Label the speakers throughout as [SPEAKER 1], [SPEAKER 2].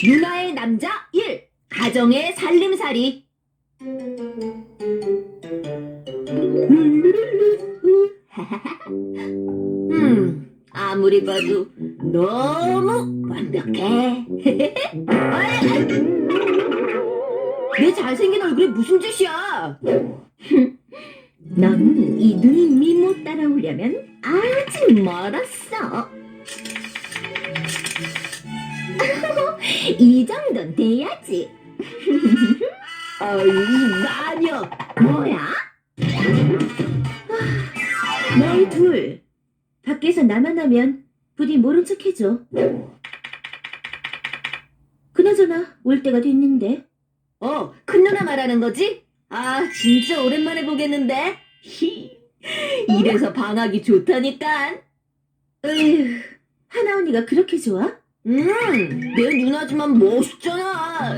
[SPEAKER 1] 누나의 남자 1. 가정의 살림살이. 아무리 봐도 너무 완벽해. 내 잘생긴 얼굴에 무슨 짓이야? 넌 이 눈 미모 따라오려면 아직 멀었어. 이 정도는 돼야지. 어이, 마녀. 뭐야? 너희 둘, 밖에서 나만 하면 부디 모른 척 해줘. 그나저나 올 때가 됐는데. 큰 누나 말하는 거지? 아, 진짜 오랜만에 보겠는데? 이래서 방학이 좋다니까. 으휴, 하나 언니가 그렇게 좋아? 내 누나지만 멋있잖아.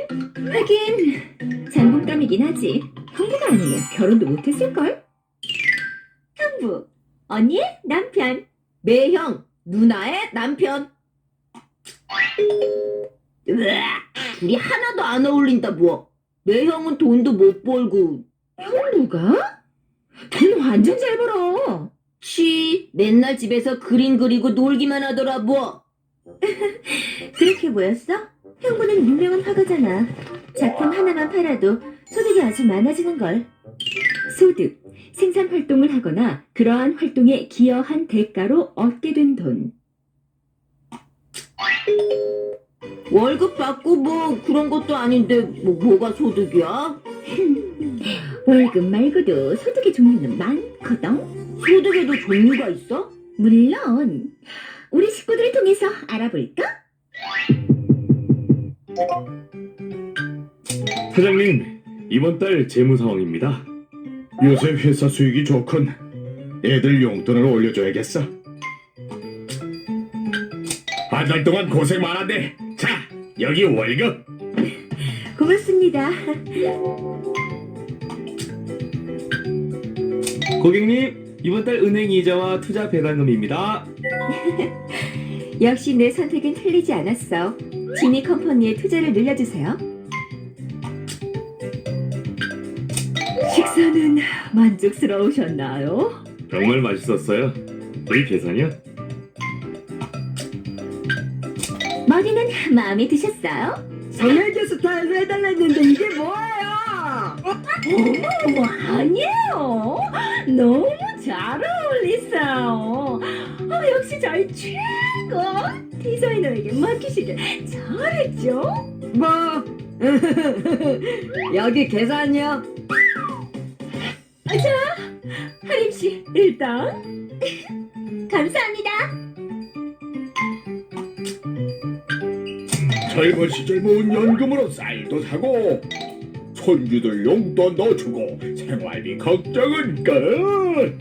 [SPEAKER 1] 하긴 장군감이긴 하지. 형부가 아니면 결혼도 못했을걸? 형부, 언니의 남편. 매형, 누나의 남편. 으악, 둘이 하나도 안 어울린다 뭐. 매형은 돈도 못 벌고. 형부가? 돈 완전 잘 벌어. 맨날 집에서 그림 그리고 놀기만 하더라 뭐. 그렇게 보였어? 형부는 유명한 화가잖아. 작품 하나만 팔아도 소득이 아주 많아지는걸. 소득, 생산 활동을 하거나 그러한 활동에 기여한 대가로 얻게 된 돈. 월급 받고 뭐 그런 것도 아닌데 뭐가 소득이야? 월급 말고도 소득의 종류는 많거든. 소득에도 종류가 있어? 물론. 우리 식구들을 통해서 알아볼까?
[SPEAKER 2] 사장님, 이번 달 재무 상황입니다.
[SPEAKER 3] 요새 회사 수익이 좋군. 애들 용돈을 올려줘야겠어. 한 달 동안 고생 많았네. 자, 여기 월급.
[SPEAKER 1] 고맙습니다.
[SPEAKER 2] 고객님, 이번 달 은행 이자와 투자 배당금입니다.
[SPEAKER 1] 역시 내 선택은 틀리지 않았어. 지니 컴퍼니에 투자를 늘려주세요. 식사는 만족스러우셨나요?
[SPEAKER 2] 정말 맛있었어요. 이 계산이요?
[SPEAKER 1] 머리는 마음에 드셨어요?
[SPEAKER 4] 소매기 스타일로 해달랬는데 이게 뭐예요?
[SPEAKER 1] 어머, 아니에요. 너무 잘 어울리세요. 역시 저희 최고 디자이너에게 맡기시길 잘했죠?
[SPEAKER 4] 뭐 여기 계산이요?
[SPEAKER 1] 하림씨, 일단 감사합니다.
[SPEAKER 3] 젊은 시절 모은 연금으로 쌀도 사고 손주들 용돈 넣어주고 생활비 걱정은 끝.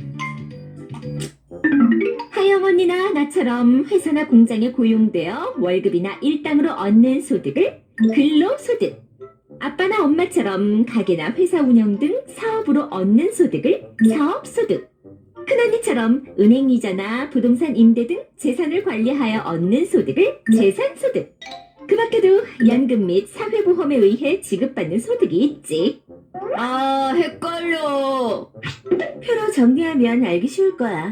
[SPEAKER 1] 하영언니나 나처럼 회사나 공장에 고용되어 월급이나 일당으로 얻는 소득을 근로소득, 아빠나 엄마처럼 가게나 회사 운영 등 사업으로 얻는 소득을 사업소득, 큰언니처럼 은행이자나 부동산 임대 등 재산을 관리하여 얻는 소득을 재산소득, 그 밖에도 연금 및 사회보험에 의해 지급받는 소득이 있지. 아, 헷갈려. 표로 정리하면 알기 쉬울 거야.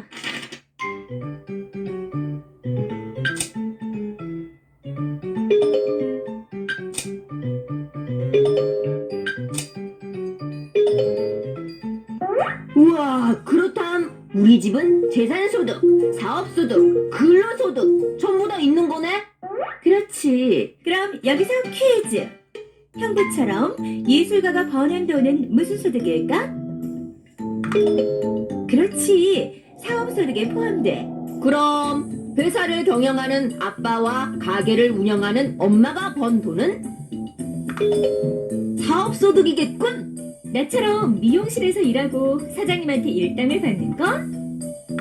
[SPEAKER 1] 우와, 그렇담. 우리 집은 재산소득, 사업소득, 근로소득 전부 다 있는 거네? 그렇지. 그럼 여기서 퀴즈. 형부처럼 예술가가 버는 돈은 무슨 소득일까? 그렇지. 사업소득에 포함돼. 그럼 회사를 경영하는 아빠와 가게를 운영하는 엄마가 번 돈은 사업소득이겠군. 나처럼 미용실에서 일하고 사장님한테 일당을 받는 건?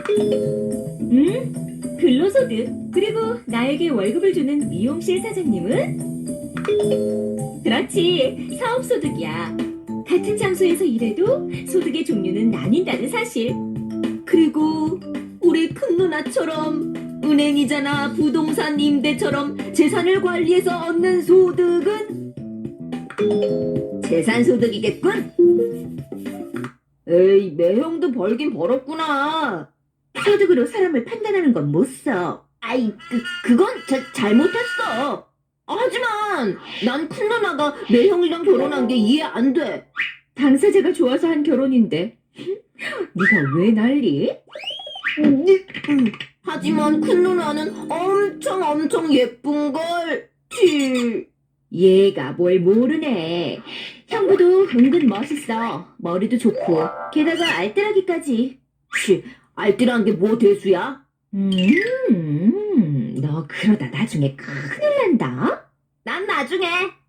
[SPEAKER 1] 근로소득. 그리고 나에게 월급을 주는 미용실 사장님은? 그렇지, 사업소득이야. 같은 장소에서 일해도 소득의 종류는 나뉜다는 사실. 그리고 우리 큰 누나처럼 은행이잖아. 부동산 임대처럼 재산을 관리해서 얻는 소득은 재산소득이겠군. 에이, 매형도 벌긴 벌었구나. 소득으로 사람을 판단하는 건 못 써. 아이, 그건 잘못했어. 하지만 난 큰 누나가 매형이랑 결혼한 게 이해 안 돼. 당사자가 좋아서 한 결혼인데 네가 왜 난리? 하지만 큰 누나는 엄청 예쁜걸. 얘가 뭘 모르네. 형부도 은근 멋있어. 머리도 좋고 게다가 알뜰하기까지. 알뜰한 게 뭐 대수야? 너 그러다 나중에 큰일 난다. 난 나중에.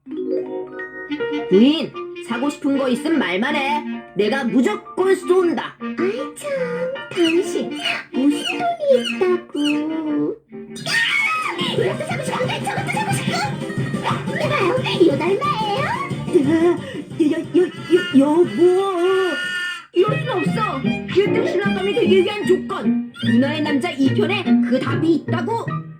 [SPEAKER 1] 부인, 사고 싶은 거 있으면 말만 해. 내가 무조건 쏜다. 아이 참, 당신 무슨 돈이 있다고. 이것도 사고 싶고 저것도 사고 싶고. 이봐요, 이거 얼마예요? 여보, 이럴 순 없어. 일등 신랑감이 되기 위한 조건. 누나의 남자 2편에 그 답이 있다고.